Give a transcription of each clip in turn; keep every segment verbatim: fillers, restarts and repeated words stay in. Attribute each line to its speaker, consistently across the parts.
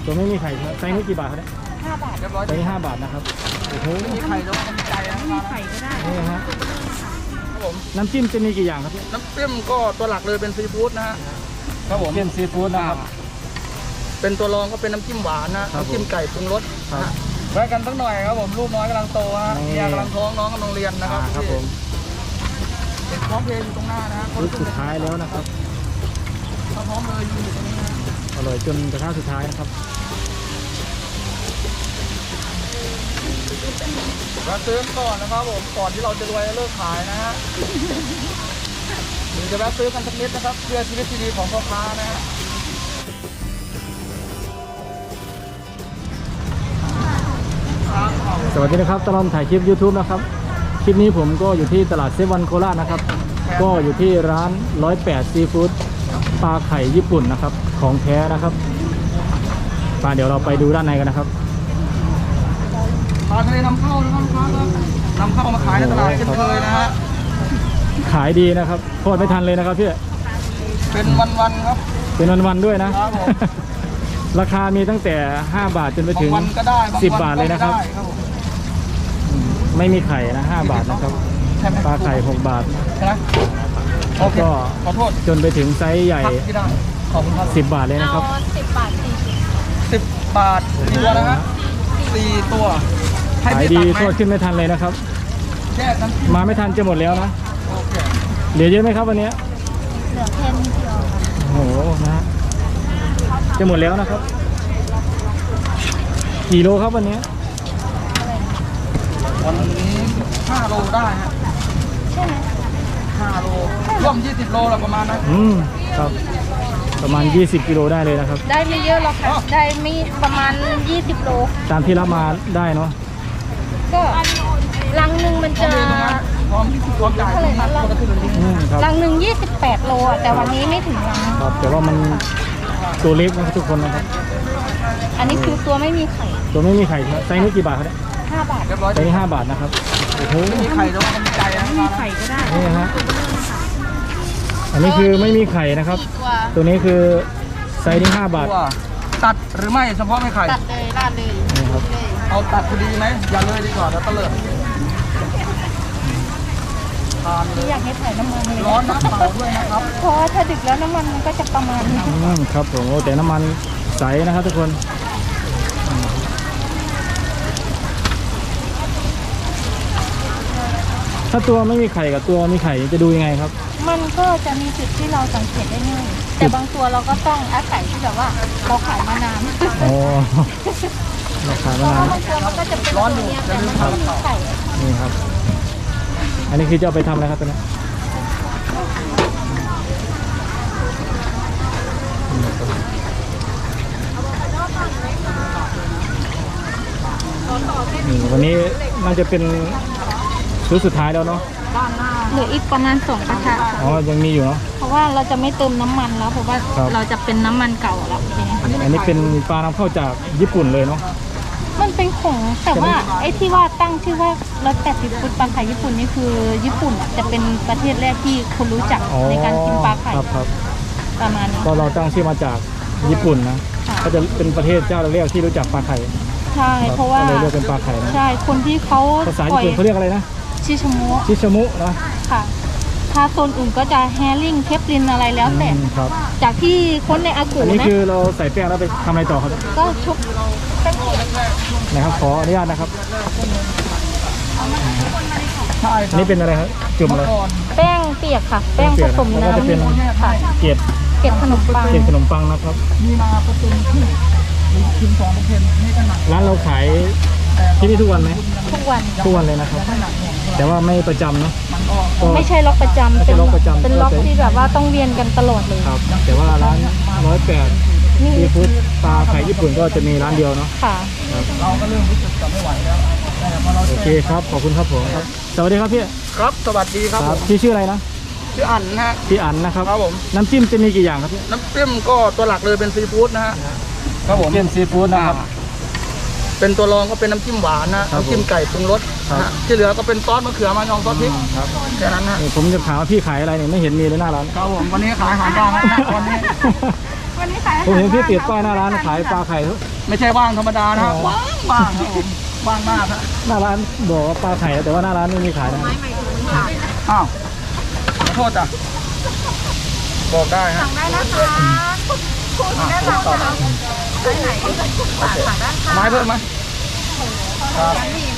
Speaker 1: ตัวไม่มีไข่ไซส์นี้กี่บาทครับเนี่ย
Speaker 2: ห้าบาทเรียบร้อย
Speaker 1: ไซส์นี้ห้าบาทนะครับโอ้โห
Speaker 2: ไม่มีไข่ต้องมีใจนะ
Speaker 3: ไม่มีไข่ก็ได้
Speaker 1: นี่ฮะ
Speaker 2: ครับผม
Speaker 1: น้ำจิ้มจะมีกี่อย่างครับพี่
Speaker 2: น้ำจิ้มก็ตัวหลักเลยเป็นซีฟู้ดนะฮะครับผม
Speaker 1: จิ้มซีฟู้ดนะครับ
Speaker 2: เป็นตัวรองก็เป็นน้ำจิ้มหวานนะน้ำจิ้มไก่ปรุงรสแวะกันสักหน่อยครับผมลูกน้อยกำลังโตฮะเมียกำลังท้องน้องกำลังเรียนนะครับ
Speaker 1: ครับผม
Speaker 2: เด็กพร้อมเพลงอยู่ตรงหน้านะ
Speaker 1: รุ่นสุดท้ายแล้วนะครับ
Speaker 2: พร้อมเลยอยู่ตรงนี้นะ
Speaker 1: อร่อยจนกระทะสุดท้ายนะครับ
Speaker 2: เราซื้อก่อนนะครับผมก่อนที่เราจะรวยเลิกขายนะฮะหรือจะแวะซื้อกันสักนิดนะครับเพื่อชีวิตที่ดีของพ่อค้านะฮะ
Speaker 1: สวัสดีนะครับตลอดถ่ายคลิป ยูทูบ นะครับคลิปนี้ผมก็อยู่ที่ตลาดเซเว่นโคราชนะครับก็อยู่ที่ร้านร้อยแปดซีฟู้ดปลาไข่ญี่ปุ่นนะครับของแท้นะครับมาเดี๋ยวเราไปดูด้านในกันนะครับ
Speaker 2: ปลาทะเลนำเข้านะครับลูกค้าครับนำเข้ามาขายในตลาดเช่นเคยนะฮะ
Speaker 1: ขายดีนะครับโคตรไม่ทันเลยนะครับพี่
Speaker 2: เป็นวันๆครับ
Speaker 1: เป็นวันๆด้วยนะราคามีตั้งแต่ห้าบาทจนไปถึงสิบบาทเลยนะครับไม่มีไข่นะห้าบาทนะครับปลาไข่หกบาทแล้วก็จนไปถึงไซส์ใหญ่สิบบาทเลยนะครับ
Speaker 3: สิบบาทสี่
Speaker 2: สิบบาทสี่ตัวนะฮะสี่ตัว
Speaker 1: ขายดีโทษขึ้นไม่ทันเลยนะครับมาไม่ทันจะหมดแล้วนะเหลือเยอะไหมครับวันนี้
Speaker 3: เหลือแค่นิดเดียว
Speaker 1: โอ้โหนะฮะจะหมดแล้วนะครับกี่โลครับวันนี้
Speaker 2: วันนี้ห้าโลได้ฮะ
Speaker 3: ใช่ไหม
Speaker 2: ห้าโลร่วมยี่สิบโลละประมาณนั้น
Speaker 1: อืมครับประมาณยี่สิบกิโลได้เลยนะครับ
Speaker 3: ได้ไม่เยอะหรอกค่ะได้ไม่ประมาณยี่สิบโล
Speaker 1: ตามที่รับมาได้เนาะ
Speaker 3: ก็ลังหนึ่งมันจะ
Speaker 2: พร้อมพร้อมจ่าย
Speaker 3: ลังหนึ่งยี่สิบแปดโลแต่วันนี้ไม่ถึงลัง
Speaker 1: ครับแต่ว่ามันตัวเล็กนะครับทุกคนนะครับ
Speaker 3: อันนี้คือตัวไม่มีไข่
Speaker 1: ตัวไม่มีไข่ไซส์นี้กี่บาทครับเนี่ย
Speaker 3: ห้าบาท
Speaker 1: ไซส์นี้ห้าบาทนะครับโอ้โห
Speaker 2: ไม่มีไข่ต้องมีใจนะ
Speaker 3: ไม่มีไข่ก็ได้
Speaker 1: นี่ฮะอันนี้คือไม่มีไข่นะครับตัวนี้คือไซส์นี้ห้าบาท
Speaker 2: ตัดหรือไม่เฉพาะไม่ไข่
Speaker 3: ตัดเลยราดเลย
Speaker 1: นี่ครับ
Speaker 2: เอาตัดพอดีไหมอย่าเลยดีกว่าแล้วตะเลิดทานเลย
Speaker 3: อยากให้ถ่ายน้ำมันเลย
Speaker 2: ร้อนน้ำเปล่าด้วยนะครับ
Speaker 3: เพราะถ้าดึกแล้วน้ำมันมันก็จะประมาณนี้
Speaker 1: ครับผมโอ้แต่น้ำมันใสนะครับทุกคนถ้าตัวไม่มีไข่กับตัวมีไข่จะดูยังไงครับ
Speaker 3: มันก็จะมีจุดที่เราสังเกตได้ง่ายแต่บางตัวเราก็ต้องอาศัยที่แบบว่าเราขายมานาน
Speaker 1: โอ้เราขายมานาน
Speaker 3: บางตัวมันก็จะเป็นร้อนอยู่แต่มันไม่มีไข่
Speaker 1: นี่ครับอันนี้คือจะเอาไปทำอะไรครับตัวนี้วันนี้น่าจะเป็นชุดสุดท้ายแล้วเนาะ
Speaker 3: เหลืออีกประมาณสองกระทะ
Speaker 1: อ๋อยังมีอยู่เนาะ
Speaker 3: เพราะว่าเราจะไม่เติมน้ำมันแล้วเพราะว่าเราจะเป็นน้ำมันเก่าแล้ว
Speaker 1: อันนี้เป็นปลานำเข้าจากญี่ปุ่นเลยเนาะ
Speaker 3: มันเป็นของแต่ว่าไอ้ที่ว่าตั้งชื่อว่าร้อยแปดสิบฟุตปลาไข่ญี่ปุ่นนี่คือญี่ปุ่นจะเป็นประเทศแรกที่คนรู้จักในการกินปลาไข่ประมาณนี้
Speaker 1: ก็เราตั้งชื่อมาจากญี่ปุ่นนะก็จะเป็นประเทศเจ้าแรกที่รู้จักปลาไข่
Speaker 3: ใช่เพราะว่า
Speaker 1: เลยเรียกเป็นปลาไข่นะ
Speaker 3: ใช่คนที่เขา
Speaker 1: ภาษาญี่ปุ่นเขาเรียกอะไรนะ
Speaker 3: ชิชมุ
Speaker 1: ชิชมุนะ
Speaker 3: ค่ะถ้าโซนอื่นก็จะแฮริ่งเทปลินอะไรแล้วแต่จากที่คนในอากูนะ
Speaker 1: อันนี้คือเราใส่แป้งแล้วไปทำอะไรต่อครับ
Speaker 3: ก็ชุบแป้ง
Speaker 1: นะครับขออนุญาตนะครับอันนี้เป็นอะไรครับจุ่มอะไร
Speaker 3: แป้งเปียกค่ะแป้งผสมน้ำ
Speaker 1: ค่ะเกล็ด
Speaker 3: เกล็ดขนมปัง
Speaker 1: เกล็ดขนมปังนะครับ
Speaker 2: มีนาเปอร์เซ็นต์ที่คิมสองเปอร์เซ็นต์นี่ก็หนัก
Speaker 1: ร้านเราขายที่นี่ทุกวันไหม
Speaker 3: ทุกวัน
Speaker 1: ทุกวันเลยนะครับแต่ว่าไม่ประจำเนาะ
Speaker 3: ไม่ใช่ล็อกประจำเป็นล็อกประจำเป็นล็อกที่แบบว่าต้องเวียนกันตลอดเลย
Speaker 1: ครับแต่ว่าร้านร้อยแปดซีฟู้ดปลาไข่ญี่ปุ่นก็จะมีร้านเดียวเนาะ
Speaker 3: ค่ะ
Speaker 2: เราก็เริ่มรู้สึกจะไม่ไหวแล้ว
Speaker 1: โอเคครับขอบคุณครับผมครับสวัสดีครับพี่
Speaker 2: ครับสวัสดีครับ
Speaker 1: พี่ชื่ออะไรนะ
Speaker 2: ชื่ออั๋นนะฮะ
Speaker 1: พี่อั๋นนะครับ
Speaker 2: ครับผม
Speaker 1: น้ำจิ้มจะมีกี่อย่างครับพี่
Speaker 2: น้ำจิ้มก็ตัวหลักเลยเป็นซีฟู้ดนะฮะครับผม
Speaker 1: จิ้มซีฟู้ดนะครับ
Speaker 2: เป็นตัวรองก็เป็นน้ำจิ้มหวานนะน้ำจิ้มไก่ปรุงรสที่เหลือก็เป็นซอสมะเขือมายองซอสพริกแค่นั้นนะ
Speaker 1: ผมจะถามว่าพี่ขายอะไรเนี่ยไม่เห็นมีเลยหน้าร้าน
Speaker 2: ครับผมวันนี้ขายอาหารบ้างนะวันนี้
Speaker 3: วันวันนี้ขายอาหาร
Speaker 1: ผมเห็นพี่ติดป้ายหน้าร้าน
Speaker 3: ว่ง
Speaker 1: ขายปลาไข่
Speaker 2: ไม่ใช่ว่างธรรมดานะฮะ
Speaker 1: อ๋อ
Speaker 2: ว่างว่างครับผมว่างมากครับ
Speaker 1: หน้าร้านบอกว่าปลาไข่แต่ว่าหน้าร้านไม่มีขายนะ
Speaker 2: อ้าวขอโทษจ้ะบอกได้ฮะ
Speaker 3: สั่งได้นะคะคุณได้สั่งแล้วไปไหนสั่งได้ค่ะ
Speaker 2: ไม้เพิ่มไหมครับ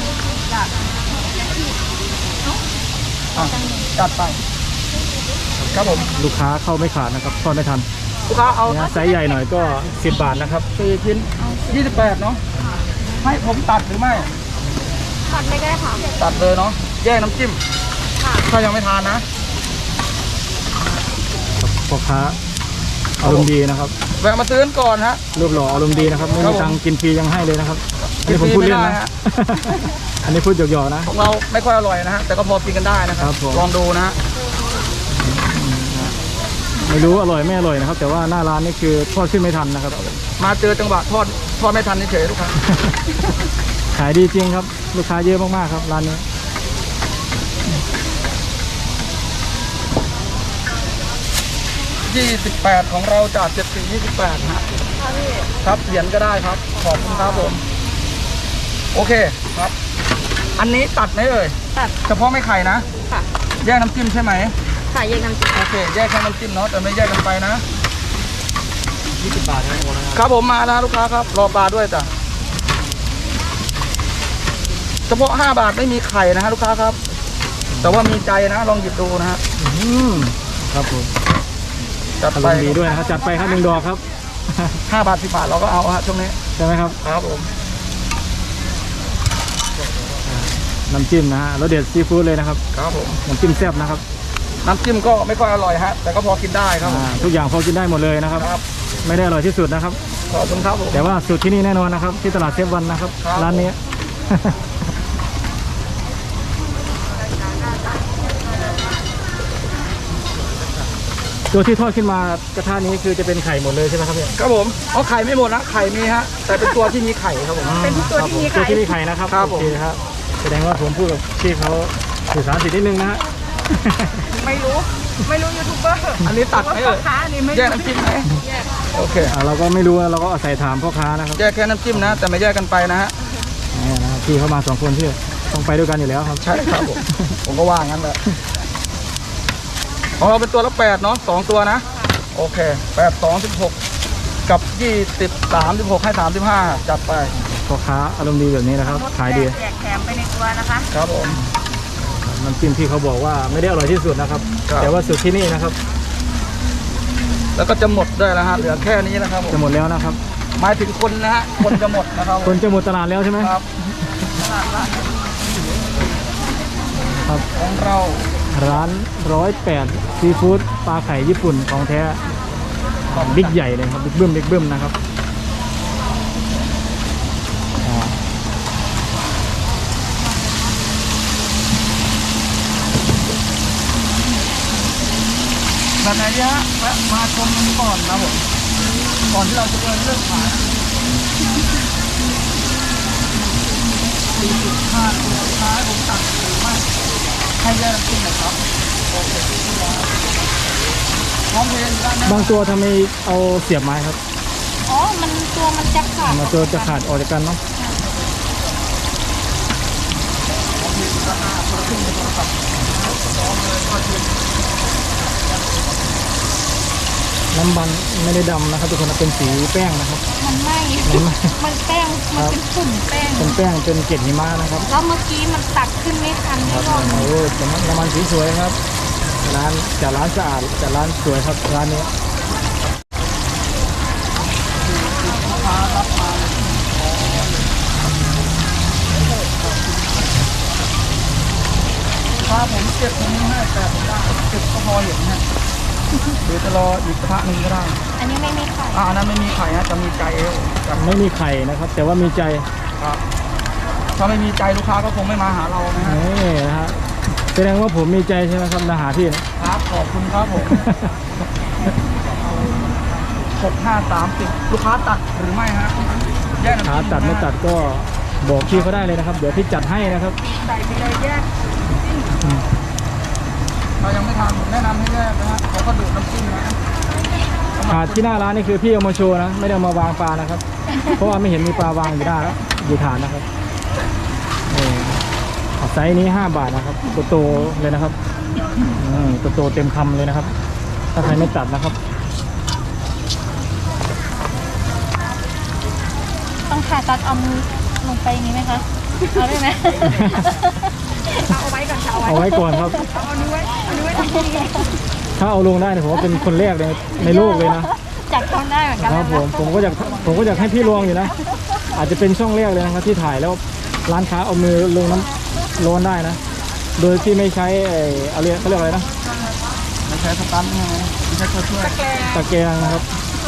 Speaker 2: อ่ะจัดไปครับผม
Speaker 1: ลูกค้าเข้าไม่ขาดนะครับทอดไม่ทัน
Speaker 2: ลูกค้าเอา
Speaker 1: เนี่ยไซส์ใหญ่หน่อยก็สิบบาทนะครับ
Speaker 2: สี่ชิ้นยี่สิบแปดเนาะให้ผมตัดหรือไม่
Speaker 3: ตัดไม่ได้ค่ะ
Speaker 2: ตัดเลยเนาะแยกน้ำจิ้ม
Speaker 3: ค่ะ
Speaker 2: ถ้ายังไม่ทานนะ
Speaker 1: พ่อค้าอารมณ์ดีนะครับ
Speaker 2: แวะมาซื้อกันก่อนฮะ
Speaker 1: รูปหล่ออารมณ์ดีนะครับไม่
Speaker 2: ครั
Speaker 1: มี
Speaker 2: บผม
Speaker 1: ตังค์กินฟรียังให้เลยนะครับอัน
Speaker 2: กิน
Speaker 1: นี้
Speaker 2: ฟ
Speaker 1: ผม
Speaker 2: รี
Speaker 1: พูดเล่น
Speaker 2: ไม่ได้
Speaker 1: นะ
Speaker 2: ฮะ
Speaker 1: อันนี้พูดหยอกๆนะ
Speaker 2: ของเราไม่ค่อยอร่อยนะฮะแต่ก็พอกินกันได้นะครั
Speaker 1: ครับ บผม
Speaker 2: ลองดูนะฮะ
Speaker 1: ไม่รู้อร่อยไม่อร่อยนะครับ แต่ว่าหน้าร้านนี่คือทอดขึ้นไม่ทันนะครับ
Speaker 2: มาเจอจังหวะทอดทอดไม่ทันเฉยๆลูกค้า
Speaker 1: ขายดีจริงครับ ลูกค้าเยอะมากๆครับร้านนี้
Speaker 2: ยี่สิบแปดของเราจากเจ็ดสี่ยี่สิบแปดฮะครับเหรียญก็ได้ครับขอบคุณครับผมโอเคครับ อันนี้ตัดไหมเอ่ย
Speaker 3: ตัด
Speaker 2: เฉพาะไม่ไข่นะ
Speaker 3: ค่ะ
Speaker 2: แยกน้ำจิ้มใช่ไหม
Speaker 3: ค่ะแยกน้ำจิ้ม
Speaker 2: โอเคแยกแค่น้ำจิ้มเนาะแต่ไม่แยกกันไปนะ
Speaker 1: ยี่สิบบาทนะโอ้นะครับ
Speaker 2: ครับผมมานะลูกค้าครับรอปลาด้วยจ้ะเฉพาะห้าบาทไม่มีไข่นะฮะลูกค้าครับ แต่ว่ามีใจนะลองหยิบดูนะฮะ
Speaker 1: อืมครับผม
Speaker 2: จัด
Speaker 1: อาร
Speaker 2: ไป
Speaker 1: มณ์ดีด้วยนะครับจัดไปครับหนึ่งดอกครับ
Speaker 2: ห้าบาทสิบบาทเราก็เอาฮะช่วงนี้
Speaker 1: ใช่ไหมครับ
Speaker 2: ครับผม
Speaker 1: น้ำจิ้มนะฮะแล้วเด็ดซีฟู้ดเลยนะครับ
Speaker 2: ครับผม
Speaker 1: น้ำจิ้มแซ่บนะครับ
Speaker 2: น้ำจิ้มก็ไม่ค่อยอร่อยฮะแต่ก็พอกินได้ครับผม
Speaker 1: อ่าทุกอย่างพอกินได้หมดเลยนะครับ
Speaker 2: ครับ
Speaker 1: ไม่ได้อร่อยที่สุดนะครับ
Speaker 2: ขอบคุณครับผม
Speaker 1: แต่ว่าสูตรที่นี่แน่นอนนะครับ ที่ตลาดเซฟวันนะครับ
Speaker 2: ครับ
Speaker 1: ร้านนี้ ตัวที่ทอดขึ้นมากระทะนี้คือจะเป็นไข่หมดเลยใช่ไหมครับพี่
Speaker 2: ครับผมเอาไข่ไม่หมดนะไข่มีฮะแต่เป็นตัวที่มีไข่ครับผม
Speaker 3: เป็นตัวที่มี
Speaker 1: ตัว
Speaker 3: ไข่
Speaker 1: ที่มีไข่นะครับ
Speaker 2: ครับผม
Speaker 1: โอเคครับแสดงว่าผมพูดกับพี่เขาสื่อสารผิดนิดนึงนะฮะ
Speaker 3: ไม่รู้ ไม่รู้ยูทูบเบอร์
Speaker 2: อันนี้ตัดไหมเอ่ย
Speaker 3: ค้าอันนี้ไม่
Speaker 2: แยกน้ำจิ้มไหม
Speaker 3: แยก
Speaker 2: โอเค
Speaker 1: อ่าเราก็ไม่รู้เราก็อาศัยถามพ่อค้านะครับ
Speaker 2: แยกแค่น้ำจิ้มนะแต่ไม่แยกกันไปนะฮะ
Speaker 1: นี่นะครับพี่เขามาสองคนพี่ต้องไปด้วยกันอยู่แล้วครับ
Speaker 2: ใช่ครับผมผมก็ว่างั้นแหละของเราเป็นตัวละแปดเนาะสองตัวนะโอเคแปดสองสิบหกกับยี่สิบสามสิบหกให้สามสิบห้าจัดไป
Speaker 1: พ่อค้าอารมณ์ดีแบบนี้นะครับขายดี
Speaker 3: แจกแถมไปในตัวนะคะ
Speaker 2: ครับผม
Speaker 1: น้ำจิ้มที่เขาบอกว่าไม่ได้อร่อยที่สุดนะครับ
Speaker 2: ครับ
Speaker 1: แต่ว่าสูตรที่นี่นะครับ
Speaker 2: แล้วก็จะหมดด้วยนะฮะเหลือแค่นี้นะครับผม
Speaker 1: จะหมดแล้วนะครับ
Speaker 2: หมายถึงคนนะฮะคนจะหมดนะครับ
Speaker 1: คนจะหมดตลาดแล้วใช่ไหม
Speaker 2: ครับ
Speaker 1: ครับ
Speaker 2: ของเรา
Speaker 1: ร้านร้อยแปดซีฟู้ดปลาไข่ญี่ปุ่นของแท้บิ๊กใหญ่เลยครับบิ๊กบึ้มบิ๊กบึ้มนะครับอ่า
Speaker 2: แบบไหนดีฮะแวะมาชมกันก่อนนะผมก่อนที่เราจะเดินเรื่องขายสี่สิบห้าตัวสุดท้ายผมตัดหรือไม่ให้แยกน้ำจิ้มหน่อยครับโอเคพร้อมเพลงด้านหน้า
Speaker 1: บางตัวทำไมเอาเสียบไม้ครับ
Speaker 3: อ๋อ มันตัวมันจะขาด
Speaker 1: มาตัวจะขาดออกจากกันเนาะน้ำมันไม่ได้ดำนะครับทุกคนเป็นสีแป้งนะครับ
Speaker 3: มันไหม้
Speaker 1: มันไหม้
Speaker 3: มันแป้ง มันเป็นฝุ่นแป้ง
Speaker 1: เป็นแป้งเป็นเกล็ดหิมะนะครับ
Speaker 3: แล้วเมื่อกี้มันตักขึ้นไม่ทัน
Speaker 1: ค
Speaker 3: ไม่
Speaker 1: รับ
Speaker 3: รอด
Speaker 1: โอ้แต่น้ำมันสีสวยครับร้านจากร้านสะอาดจากร้านสวยครับร้านนี้
Speaker 2: ถ้าผมเก็บตรงนี้ให้แต่ผมได้เก็บก็พอเห็นฮะเดี๋ยวจะรออีกกระทะหนึ่งก็ได้
Speaker 3: อันนี้ไม่มีไข่
Speaker 2: อ่าอันนั้นไม่มีไข่ฮะจะมีใจเอวครับ
Speaker 1: ไม่มีไข่นะครับ แต่ว่ามีใจ
Speaker 2: ครับถ้าไม่มีใจลูกค้าก็คงไม่มาหาเรานะฮะ
Speaker 1: นี่นะฮะแสดงว่าผมมีใจใช่ไหมครับมาหาพี่นะครับ
Speaker 2: ขอบคุณครับผมหกห้าสามสิบลูกค้าตัดหรือไม่ฮะแยกน้ำ
Speaker 1: ขา
Speaker 2: จิ้
Speaker 1: ตัดไม่ตัดก็บอกพี่เขาได้เลยนะครับ เดี๋ยวพี่จัดให้นะครับ
Speaker 3: ใส่ไปเลยแยก
Speaker 2: เรายังไม่ทานผมแนะนำให้แยกนะฮะเขาก็ดูดน้ำจิ้มนะทำไมมัค
Speaker 1: ถาร ดที่หน้าร้านนี่คือพี่เอามาโชว์นะไม่ได้เอามาวางปลานะครับ เพราะว่าไม่เห็นมีปลาวางอยู่หน้าแล้วอยู่ฐานนะครับนี่ไซส์นี้ห้าบาทนะครับตัวโตเลยนะครับอืมตัวโตเต็มคำเลยนะครับ ถ้าใครไม่ตัดนะครับ
Speaker 3: ต้องผ่าตัดเอามือลงไปอย่างนี้ไหมคะเอาได้ไหม
Speaker 4: เอาไว้ก่อนค่ะเอาไว้
Speaker 1: เอาไว้ก่อนครับ
Speaker 4: เอานิ้วไว้เอานิ้วไว้ตรงนี้
Speaker 1: ถ้าเอาลงได้เนี่ยผมว่าเป็นคนแรกในในโลกเลยนะ
Speaker 3: จับต้องได้เหมือนกัน
Speaker 1: ครับผมผมก็อยากผมก็อยากให้พี่ลองอยู่นะ อาจจะเป็นช่องแรกเลยนะครับที่ถ่ายแล้วร้านค้าเอามือลงน้ำร้อนได้นะ โดยที่ไม่ใช้ไอ้อะไรเขาเรียกอะไรนะ
Speaker 2: ไม่ใช้สตันใช่ไหมไม่ใช้ตัวช่วย
Speaker 1: ตะแกรงนะครับ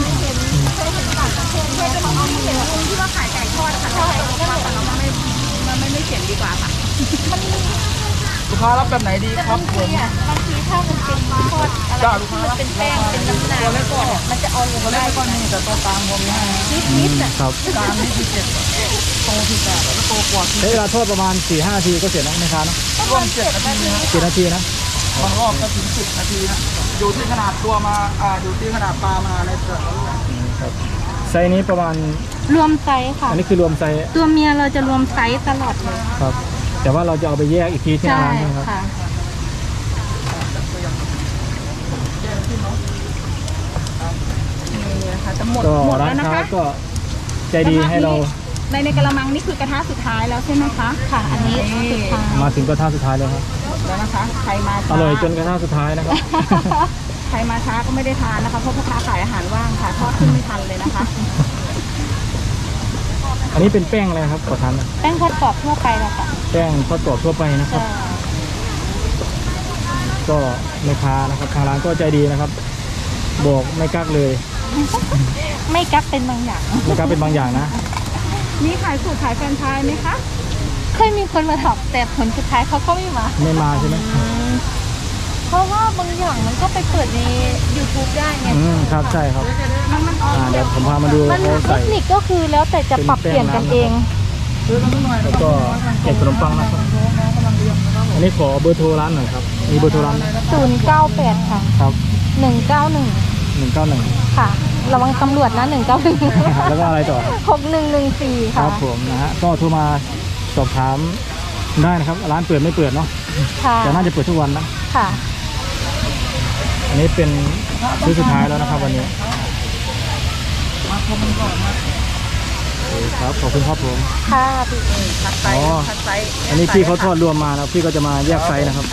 Speaker 4: ที่ว่าขายไก่ทอดค่ะแต่เราไม่มันไม่ไม่เขียนดีกว่าค่ะ
Speaker 2: ลูกค้ารับแบบไหนดีครับผม
Speaker 3: เนี่ยบางทีถ้ามันเป็นทอดอะไร
Speaker 2: จ้าลูก
Speaker 3: ที่
Speaker 2: ค้า
Speaker 3: มัน
Speaker 2: รับ
Speaker 3: เป็นแป้งเป็นน้ำหนักก่อนมันจะเอาลง
Speaker 2: ตัวเล็ก
Speaker 3: ได้
Speaker 2: ไม่ก้อนนี้แต่ตัวกลางผมนี่ให้
Speaker 3: นิดนิดๆอ่ะ
Speaker 1: ครับ
Speaker 2: กลางนี่คือเจ็ดโตที่แปดแล้วก็โตกว่าที่
Speaker 1: ใช้เวลาทอดประมาณ สี่ห้านาทีก็เสร็จแล้วนะครับนะ
Speaker 2: ร่วมเจ็ดนาทีนะ
Speaker 1: เจ็ดนาทีนะ
Speaker 2: บางรอบก็ถึงสิบนาทีนะอยู่ที่ขนาดตัวมาอ่าอยู่ที่ขนาดปลามาในแต่ละลูก
Speaker 1: ครับไซส์นี้ประมาณ
Speaker 3: รวมไซส์ค่ะ
Speaker 1: อันนี้คือรวมไซส์
Speaker 3: ตัวเมียเราจะรวมไซส์ตลอดเลย
Speaker 1: ครับ แต่ว่าเราจะเอาไปแยกอีกทีที่
Speaker 3: ใช่
Speaker 1: ร้านใช่ไหมครับ
Speaker 3: ค่ะ
Speaker 4: นี่นะคะจะหมด
Speaker 1: ก็
Speaker 4: หมด
Speaker 1: ร้า
Speaker 4: แล้
Speaker 1: น
Speaker 4: วนะ
Speaker 1: ค้า
Speaker 4: คะ
Speaker 1: ก็ใจดีให้เรา
Speaker 4: ในในกระมังนี่คือกระทะสุดท้ายแล้วใช่ไหมคะ
Speaker 3: ค่ะ อันนี้สุดท้าย
Speaker 1: มาถึงกระทะสุดท้ายแล้วครับ
Speaker 4: แล้วนะคะใครมา
Speaker 1: อ
Speaker 4: ช้า
Speaker 1: ร่อยจนกระทะสุดท้ายนะครับ
Speaker 4: ใครมาช้าก็ไม่ได้ทานนะคะเพราะพ่อค้าขายอาหารว่างค่ะทอดขึ้นไม่ทันเลยนะคะ
Speaker 1: อันนี้เป็นแป้งอะไรครับขอทานนะ
Speaker 3: แป้งทอดกรอบทั่วไปแล้วค่ะ
Speaker 1: แป้งทอดกรอบทั่วไปนะครับ
Speaker 3: จะ
Speaker 1: ก็แม่ค้านะครับทางร้านก็ใจดีนะครับ บอกไม่กักเลย
Speaker 3: ไม่กักเป็นบางอย่าง
Speaker 1: ไม่กักเป็นบางอย่างนะ
Speaker 4: มีขายสูตรขายแฟรนไชส์ไหมคะ
Speaker 3: เคยมีคนมาถามแต่ผลสุดท้ายเขาก็ไม่มา
Speaker 1: ไม่มาใช่ไหม
Speaker 3: เพราะว่าบางอย่างมันก็ไปเปิดใน YouTube ได้ไง
Speaker 1: อืมครับใช่ครับ
Speaker 4: มันมัน
Speaker 1: อ่าเดี๋ยวผมพามาดู
Speaker 3: มัน
Speaker 1: เขา
Speaker 3: เท
Speaker 1: ใส่
Speaker 3: คนิคก็คือแล้วแต่จะปรับเปลี่ยนกันเอง
Speaker 2: ซื้อกันสักหน่อย
Speaker 1: แล้วก็เก็บขนมปังนะครับ
Speaker 2: น้องกำลังเรียนนะครับผม
Speaker 1: อันนี้ขอเบอร์โทรร้านหน่อยครับ มีเบอร์โทรร้านไหม
Speaker 3: ศูนย์เก้าแปดค่ะ
Speaker 1: ครับ
Speaker 3: หนึ่งเก้าหนึ่ง
Speaker 1: หนึ่งเก้าหนึ่ง
Speaker 3: ค่ะ ระวังตำรวจนะหนึ่งเก้าหนึ่ง
Speaker 1: แล้วก็อะไรต่อ
Speaker 3: หกหนึ่งหนึ่งสี่
Speaker 1: ค
Speaker 3: ค่ะ
Speaker 1: รับผมนะฮะก็โทรมาสอบถามได้นะครับ ร้านเปิดไม่เปิดเนาะ
Speaker 3: ค่ะ
Speaker 1: แต่น่าจะเปิดทุกวันนะ
Speaker 3: ค่ะ
Speaker 1: อันนี้เป็นซื้อสุดท้ายแล้วนะครับวันนี้
Speaker 2: มาชมกันก่อนนะ
Speaker 1: โอเคครับขอบคุณครับผม
Speaker 3: ค่ะพี่
Speaker 4: คัดไซส์
Speaker 1: อ๋อ
Speaker 4: คัดไซส์
Speaker 1: อันนี้พี่เขาทอดรวมมานะพี่ก็จะมาแยกไซส์นะครับ
Speaker 4: ใช่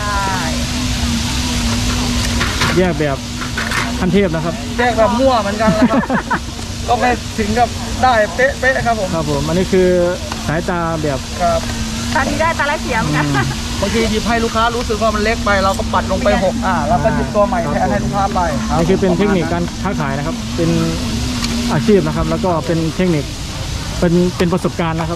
Speaker 1: แยกแบบขั้นเทพนะครับ
Speaker 2: แยกแบบมั่วเหมือนกันนะครับ ก็ไม่ถึงกับได้เป๊ะเป๊ะๆครับผม
Speaker 1: ครับผมอันนี้คือสายตาแบบ
Speaker 2: ครับ
Speaker 4: ตาดีได้ตาไร้เสียเหมอนกัน
Speaker 2: บางทีหยิบให้ลูกค้ารู้สึกว่ามันเล็กไปเราก็ปัดลงไปหกอ่าแล้วก็หยิบตัวใหม่แทนให้ลูกค้าไปรับ
Speaker 1: นี่คือเป็นเทคนิคการค้าขายนะครับ เป็นอาชีพนะครับ แล้วก็เป็นเทคนิคเป็นเป็นประสบการณ์นะครับ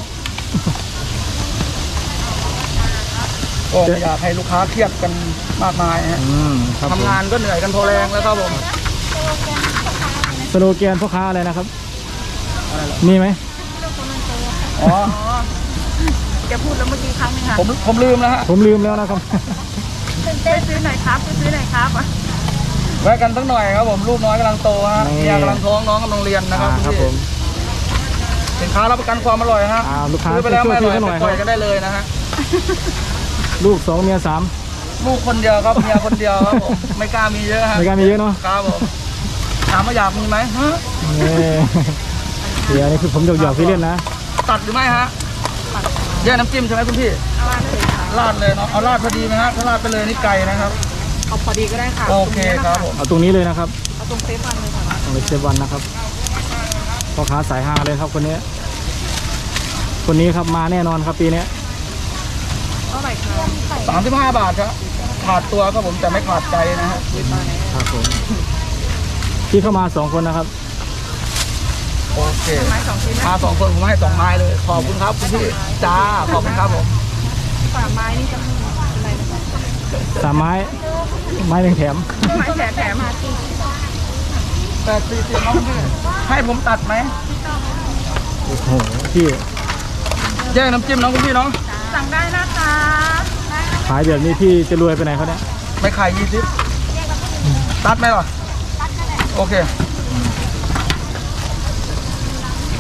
Speaker 2: ก็ไม่อยากให้ลูกค้าเครียดกันมากมายฮะ
Speaker 1: อืมครับผม
Speaker 2: ทำงานก็เหนื่อยกันพอแรงแล้วครับผม
Speaker 1: สโลแกนพ่อค้าอะไรนะครับ มีไหม
Speaker 2: อ๋อ
Speaker 4: แกพูดแล้วเมื่อกี้ครั้งหนึงค่ะ
Speaker 2: ผมผมลืมแล้วฮะ
Speaker 1: ผมลืมแล้วนะครับ
Speaker 4: ไปซื้อหน่อยครับไปซื้อหน่อยครับ
Speaker 2: แวะกันสักหน่อยครับผมลูกน้อยกำลังโตฮะ
Speaker 1: นี่
Speaker 2: เมียกำลังท้องน้องกำลังเรียนนะครับ
Speaker 1: อ่าครับผม
Speaker 2: สินค้ารับประกันความอร่อยฮะ
Speaker 1: อ่าลูกค้า
Speaker 2: ซื้อไปแล้วไม่อร่อย
Speaker 1: ช่วยๆหน่อย
Speaker 2: ไปปล่อยกันได้เลยนะฮะ
Speaker 1: ลูกสองเมียสาม
Speaker 2: ลูกคนเดียวครับเมียคนเดียวครับผมไม่กล้ามีเยอะฮะ
Speaker 1: ไม่กล้ามีเยอะเนาะ
Speaker 2: ครับผมถามว่าอยากมีไหมฮะ
Speaker 1: นี่เดี๋ยวนี่คือผมหยอกๆพี่เล่นนะ
Speaker 2: ตัดหรือไม่ฮะแยกน้ำจิ้มใช่ไหมคุณพี่
Speaker 4: เอาราดเลยค่ะ
Speaker 2: ราดเลยเนาะเอาราดพอดีไหมฮะถ้าราดไปเลยนี่ไก่นะครับ
Speaker 4: เอาพอดีก็ได้ค่ะ
Speaker 2: โอเคครับผม
Speaker 1: เอาตรงนี้เลยนะครับ
Speaker 4: เอาตรงเซฟวันเลยค่ะ
Speaker 1: ตรงเซฟวันนะครับพ่อค้าสายฮาเลยครับคนนี้ คนนี้ครับมาแน่นอนครับปีนี้
Speaker 4: เท่าไหร่คะ
Speaker 2: สามสิบห้าบาทครับขาดตัวครับผมแต่ไม่ขาดใจนะฮะ
Speaker 1: ครับผมที่เข้ามาสองคนนะครับ
Speaker 2: โอเค
Speaker 4: ไม้สองชิ้นนะ
Speaker 2: มาสองคนผมให้สองไม้เลยขอบคุณครับคุณพี่จ้าขอบคุณครับผม
Speaker 4: ฝาไม้นี่จะมีอะไรนะคะ
Speaker 1: สามไม้ ไม้หนึ่งแถม
Speaker 4: ไม้แถมแถมมา
Speaker 2: แปดสี่สิบน้องพี่ให้ผมตัดไหม
Speaker 1: โอ้โหพี่
Speaker 2: แยกน้ำจิ้มน้องคุณพี่เนาะ
Speaker 4: สั่งได้นะคะ
Speaker 1: ขายแบบนี้พี่จะรวยไปไหนเขาเนี่ย
Speaker 2: ไม่ขายยี่สิบตัดไหมหรอโอเค
Speaker 1: อืม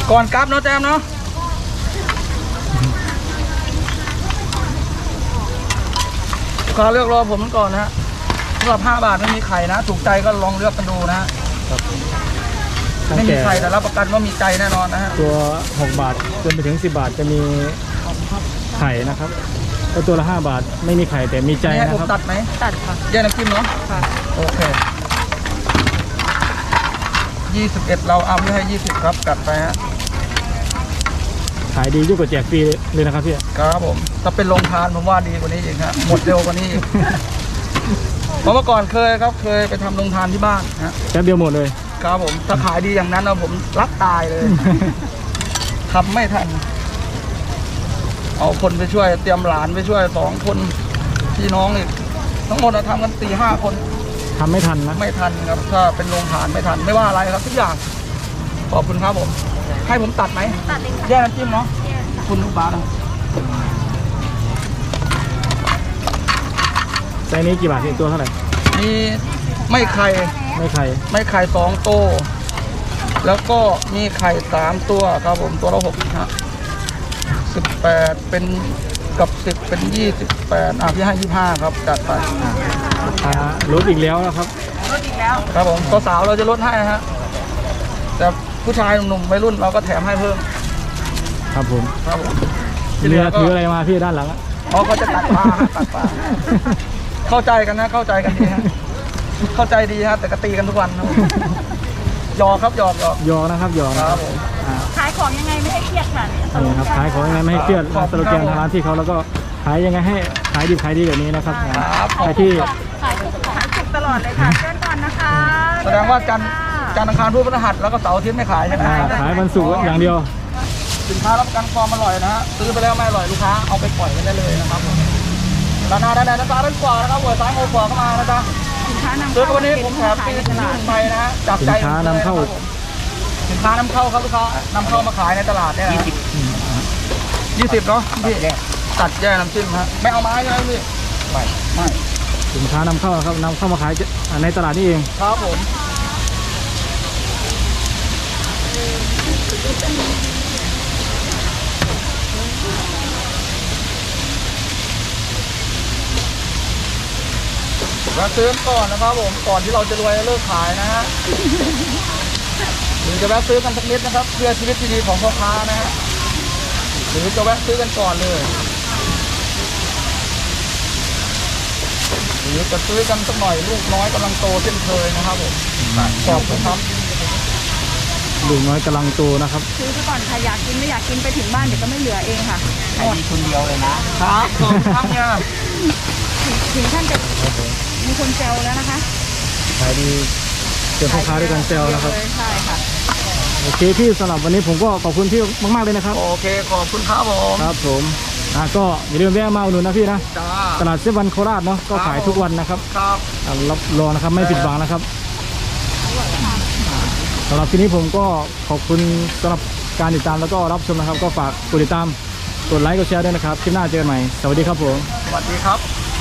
Speaker 2: ก่อนกลับเนาะแจมเนาะลูกค้าเลือกรอผมก่อนนะฮะสำหรับห้าบาทไม่มีไข่นะถูกใจก็ลองเลือกกันดูนะฮะ
Speaker 1: ครับตั้ง
Speaker 2: ไม่มี
Speaker 1: แต่
Speaker 2: ไข่แต่รับประกันว่ามีใจแน่นอนนะฮะ
Speaker 1: ตัวหกบาทจนไปถึงสิบบาทจะมีไข่นะครับแล้วตัวละห้าบาทไม่มีไข่แต่มีใจ
Speaker 2: นี่ให้
Speaker 1: นะ
Speaker 2: ผม
Speaker 1: ครับ
Speaker 2: ตัดไหม
Speaker 3: ตัดค่ะ
Speaker 2: แยกน้ำจิ้มเนาะ
Speaker 3: ค่ะ
Speaker 2: โอเคยี่สิบเอ็ดเราเอาไม่ให้ยี่สิบครับกัดไปฮะ
Speaker 1: ขายดียิ่งกว่าแจกฟรีเลยนะครับพี่
Speaker 2: ครับผมถ้าเป็นโรงทานผมว่าดีกว่านี้อีกฮะหมดเร็วกว่านี้อีก เพราะเมื่อก่อนเคยครับเคยไปทำโรงทานที่บ้านฮะ
Speaker 1: แป๊บเดียวหมดเลย
Speaker 2: ครับผมถ้าขายดีอย่างนั้นนะผมรักตายเลย ทำไม่ทัน เอาคนไปช่วยเตรียมหลานไปช่วยสองคนพี่น้องอีกทั้งหมดเราทำกันสี่ห้าคน
Speaker 1: ทำไม่ทันนะ
Speaker 2: ไม่ทันครับ ถ้าเป็นโรงทานไม่ทันไม่ว่าอะไรครับทุกอย่างขอบคุณครับผม ให้ผมตัดไหม
Speaker 3: ตัดเองค่ะ
Speaker 2: แยกน้ำจิ้มเนาะคุณลูกบ้านนะ
Speaker 1: ไซส์นี้กี่บาทพี่ตัวเท่าไหร่
Speaker 2: มีไม่ไข่
Speaker 1: ไม่ไข่
Speaker 2: ไม่ไข่สองโตวแล้วก็มีไข่สามตัวครับผมตัวละหกฮะสิบแปดเป็นกับสิบเป็นยี่สิบแปดอ่ะพี่ให้ยี่ห้าครับจัดไป
Speaker 1: อ่าลดอีกแล้วนะครับ
Speaker 4: ลดอีกแล้ว
Speaker 2: ครับผมตัวสาวเราจะลดให้ฮะแต่ผู้ชายหนุ่มๆวัยรุ่นเราก็แถมให้เพิ่ม
Speaker 1: ครับผม
Speaker 2: ครับผม
Speaker 1: เรือถืออะไรมาพี่ด้านหลังอะ
Speaker 2: อ๋อเขาจะตัดปลาฮะตัดปลาเข้าใจกันนะเข้าใจกันดีฮะเข้าใจดีฮะแต่ก็ตีกันทุกวันครับหยอกครับหยอกหยอก
Speaker 1: ยอนะครับยอนะ
Speaker 2: ค
Speaker 1: ค
Speaker 2: รั
Speaker 1: รั
Speaker 2: บบ ผม
Speaker 1: อ่า
Speaker 4: ขายของยังไงไม่ให้เครียดค่ะ
Speaker 1: นี่ครับขายของยังไงไม่ให้เครียด
Speaker 2: ขอบ
Speaker 1: ส
Speaker 2: คุณ
Speaker 1: โลแกน
Speaker 2: ครับ
Speaker 1: ทางร้านที่เขาแล้วก็ขายยังไงให้ขายดีขายดีแบบนี้นะครับ
Speaker 2: ครับ
Speaker 1: ใครที่
Speaker 3: ขายทุก
Speaker 4: ขายสุกตลอดเลยค่ะเชิญก่อนนะคะ
Speaker 2: แสดงว่าจันทร์จันทร์อังคารพุธพฤหัสแล้วก็เสาร์อาทิตย์ไม่ขายใช่ไหม
Speaker 1: อ่าขายวันศุกร์อย่างเดียว
Speaker 2: สินค้ารับประกันความอร่อยนะฮะซื้อไปแล้วไม่อร่อยลูกค้าเอาไปปล่อยกันได้เลยนะครับผมด้านหน้าด้านในด้านซ้ายด้านขวานะครับหัวซ้ายหัวขวาเข้ามานะจ๊ะ
Speaker 4: สินค้านำ
Speaker 2: ซื้อ
Speaker 4: เข้า
Speaker 2: วันนี้ผมแถมฟรี
Speaker 4: ใน
Speaker 2: ถึ
Speaker 4: ต
Speaker 2: ง
Speaker 4: ลาด
Speaker 2: ไปนะฮะจากใจ
Speaker 1: สินค้านำเข้า
Speaker 2: ผมสินค้านำเข้าครับลูกค้านำเข้ามาขายในตลาดเนี่ยนะยี่สิบเนาะพี่ตัดแยกน้ำจิ้มฮะไม่เอาไม้ใช่ไหมพี่ไม่ไม่
Speaker 1: สินค้านำเข้านะครับนำเข้ามาขายในตลาดนี่เอง
Speaker 2: ครับผมเราซื้อก่อนนะครับผมก่อนที่เราจะรวยเลิกขายนะฮะหรือจะแวะซื้อกันสักนิดนะครับเพื่อชีวิตที่ดีของพ่อค้านะฮะหรือจะแวะซื้อกันก่อนเลยหรือจะซื้อกันสักหน่อยลูกน้อยกำลังโตเช่นเคยนะครับผมขอบคุณครับ
Speaker 1: ลูกน้อยกำลังโตนะครับ
Speaker 4: ซื้อไปก่อนค่ะอยากกินไม่อยากกินไปถึงบ้านเดี๋ยวก็ไม่เหลือเองค่ะหมด
Speaker 2: คนเดียวเลยนะครับขอบคุณครับเนี่ย
Speaker 4: ถึงท่านจะมีคนแซวแล้วนะคะ
Speaker 1: ขายดีเจอพ่อค้าด้วยกันเซลนะครับ
Speaker 4: ใช่ค่ะ
Speaker 1: โอเคพี่สำหรับวันนี้ผมก็ขอบคุณพี่มากๆเลยนะครับ
Speaker 2: โอเคขอบคุณครับผม
Speaker 1: ครับผมอ่ะก็อย่าลืมแวะมาอุดหนุนนะพี่นะ
Speaker 2: จ้า
Speaker 1: ตลาดเซเวันโคราชเนาะก็ขายทุกวันนะครับ
Speaker 2: ครับ
Speaker 1: อ่ะรับรองนะครับไม่ผิดหวังนะครับสำหรับที่นี้ผมก็ขอบคุณสำหรับการติดตามแล้วก็รับชมนะครับ ก็ฝากกดติดตามกดไลค์กดแชร์ด้วยนะครับคลิปหน้าเจอกันใหม่สวัสดีครับผม
Speaker 2: สวัสดีครับ